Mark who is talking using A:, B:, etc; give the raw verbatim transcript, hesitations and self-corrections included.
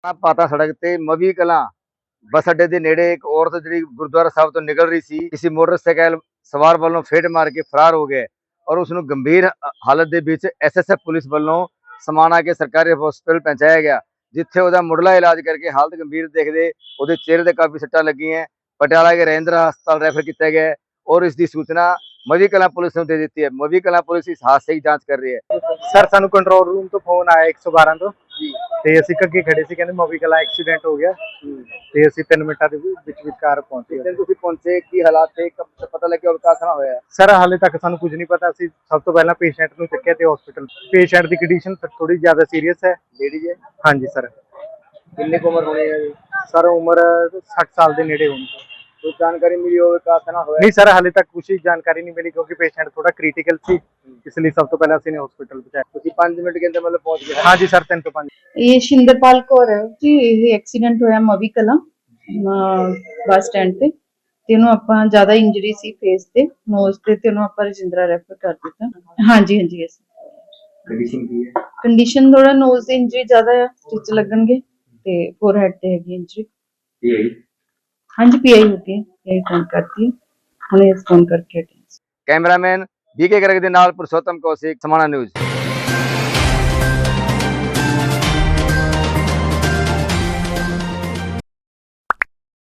A: ਪਾਤਾ ਸੜਕ ਤੇ ਮਵੀ ਕਲਾਂ ਬੱਸ ਅੱਡੇ ਦੇ ਨੇੜੇ ਇੱਕ ਔਰਤ ਜਿਹੜੀ ਗੁਰਦੁਆਰਾ ਸਾਹਿਬ ਤੋਂ ਨਿਕਲ ਰਹੀ ਸੀ, ਕਿਸੇ ਮੋਟਰਸਾਈਕਲ ਸਵਾਰ ਵੱਲੋਂ ਫੇਟ ਮਾਰ ਕੇ ਫਰਾਰ ਹੋ ਗਏ ਔਰ ਉਸ ਨੂੰ ਗੰਭੀਰ ਹਾਲਤ ਦੇ ਵਿੱਚ ਐਸਐਸਐਫ ਪੁਲਿਸ ਵੱਲੋਂ ਸਮਾਣਾ ਕੇ ਸਰਕਾਰੀ ਹਸਪਤਾਲ ਪਹੁੰਚਾਇਆ ਗਿਆ, ਜਿੱਥੇ ਉਹਦਾ ਮੁੱਢਲਾ ਇਲਾਜ ਕਰਕੇ ਹਾਲਤ ਗੰਭੀਰ ਦੇਖਦੇ ਉਹਦੇ ਚਿਹਰੇ ਤੇ ਕਾਫੀ ਸੱਟਾਂ ਲੱਗੀਆਂ। ਪਟਿਆਲਾ के रविंद्र हस्पताल रेफर किया गया है और इसकी सूचना मवी कलां पुलिस ने दे दी है। मवी कलां पुलिस इस हादसे की जांच कर रही है।
B: सर सानू कंट्रोल रूम तो फोन आया एक सौ बारह तो ਤੇ ਅਸੀਂ ਅੱਗੇ ਖੜੇ ਸੀ, ਕਹਿੰਦੇ ਮੋਵੀ ਕਲਾ ਐਕਸੀਡੈਂਟ ਹੋ ਗਿਆ ਤੇ ਅਸੀਂ ਤਿੰਨ ਮਿੰਟਾਂ ਦੇ ਵਿੱਚ ਵਿਚਕਾਰ ਪਹੁੰਚੇ।
A: ਜਿੱਥੇ ਤੁਸੀਂ ਪਹੁੰਚੇ ਕੀ ਹਾਲਾਤ ਥੇ, ਕਬ ਪਤਾ ਲੱਗਿਆ ਕਾਸਨਾ ਹੋਇਆ?
B: ਸਰ ਹਾਲੇ ਤੱਕ ਸਾਨੂੰ ਕੁਝ ਨਹੀਂ ਪਤਾ। ਅਸੀਂ ਸਭ ਤੋਂ ਪਹਿਲਾਂ ਪੇਸ਼ੈਂਟ ਨੂੰ ਚੱਕਿਆ ਤੇ ਹਸਪੀਟਲ। ਪੇਸ਼ੈਂਟ ਦੀ ਕੰਡੀਸ਼ਨ ਥੋੜੀ ਜ਼ਿਆਦਾ ਸੀਰੀਅਸ ਹੈ।
A: ਲੇਡੀ ਹੈ?
B: ਹਾਂਜੀ ਸਰ।
A: ਕਿੰਨੀ ਕੁ ਉਮਰ ਹੋਣੀ ਹੈ ਜੀ?
B: ਸਰ ਉਮਰ ਸੱਠ ਸਾਲ ਦੇ ਨੇੜੇ ਹੋਣੀ।
A: ਕੋਈ ਜਾਣਕਾਰੀ ਮਿਲੀ ਹੋਵੇ ਕਾਸਨਾ ਹੋਇਆ?
B: ਨਹੀਂ ਸਰ ਹਾਲੇ ਤੱਕ ਕੁਝ ਜਾਣਕਾਰੀ ਨਹੀਂ ਮਿਲੀ ਕਿਉਂਕਿ ਪੇਸ਼ੈਂਟ ਥੋੜਾ ਕ੍ਰਿਟੀਕਲ ਸੀ, ਇਸ ਲਈ ਸਭ ਤੋਂ ਪਹਿਲਾਂ ਅਸੀਂ ਨੇ ਹਸਪੀਟਲ ਪਹੁੰਚਾਇਆ।
A: ਤੁਸੀਂ ਪੰਜ ਮਿੰਟ के अंदर मतलब पहुंच गए?
B: ਹਾਂਜੀ ਸਰ ਤਿੰਨ ਤੋਂ ਪੰਜ।
C: ਇਹ ਸ਼ਿੰਦਰਪਾਲ ਕੌਰ ਹੈ ਜੀ। ਇਹ ਐਕਸੀਡੈਂਟ ਹੋਇਆ ਮਵੀ ਕਲਾਂ ਬੱਸ ਸਟੈਂਡ ਤੇ ਤੇ ਉਹਨੂੰ ਆਪਾਂ ਜ਼ਿਆਦਾ ਇੰਜਰੀ ਸੀ ਫੇਸ ਤੇ, ਨੋਜ਼ ਤੇ, ਤੇ ਉਹਨੂੰ ਆਪਾਂ ਰਜਿੰਦਰਾ ਰੈਫਰ ਕਰ ਦਿੱਤਾ। ਹਾਂਜੀ ਹਾਂਜੀ ਅਸੀਂ
A: ਕੰਡੀਸ਼ਨ ਕੀ ਹੈ?
C: ਕੰਡੀਸ਼ਨ ਥੋੜਾ ਨੋਜ਼ ਦੀ ਇੰਜਰੀ ਜ਼ਿਆਦਾ ਹੈ, ਸਟਿਚ ਲੱਗਣਗੇ ਤੇ ਫੋਰਹੈਡ ਤੇ ਹੈਗੀ ਇੰਜਰੀ।
A: ਇਹ
C: ਹਾਂਜੀ ਪੀਆਈ ਹੋ ਗਈ, ਪੀਆਈ ਫੋਨ ਕਰਤੀ ਹੈ ਹੁਣੇ, ਫੋਨ ਕਰਕੇ ਹਟੇ।
A: ਕੈਮਰਾਮੈਨ ਬੀਕੇ ਗਰਗ ਦੇ ਨਾਲ ਪੁਰਸ਼ੋਤਮ ਕੌਸ਼ਿਕ, ਸਮਾਣਾ ਨਿਊਜ਼।